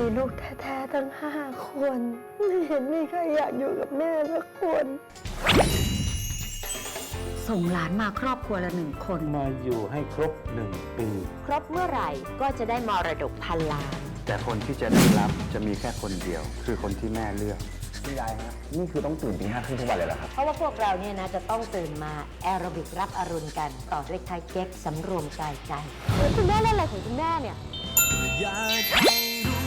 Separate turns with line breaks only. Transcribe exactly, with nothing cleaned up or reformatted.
ลูกแท้ๆทั้งห้าคนไม่เห็นมีใครอยากอยู่กับแม่สักคน
ส่งหลานมาครอบครัวละหนึ่งคน
มาอยู่ให้ครบหนึ่งปี
ครบเมื่อไหร่ก็จะได้มรดกพันล้าน
แต่คนที่จะได้รับจะมีแค่คนเดียว คือคนที่แม่เลือก
พี่ยายฮะนี่คือต้องตื่นตีห้าครึ่งทุกวันเลยเหรอครับ
เพราะว่าพวกเราเนี่ยนะจะต้องตื่นมาแอโรบิกรับอรุณกัน ต่อด้วยไทยเก๊กสำรวมกายใจคุณแม่เล่นอะไรของคุณแม่เนี่ย
อยากให้รู้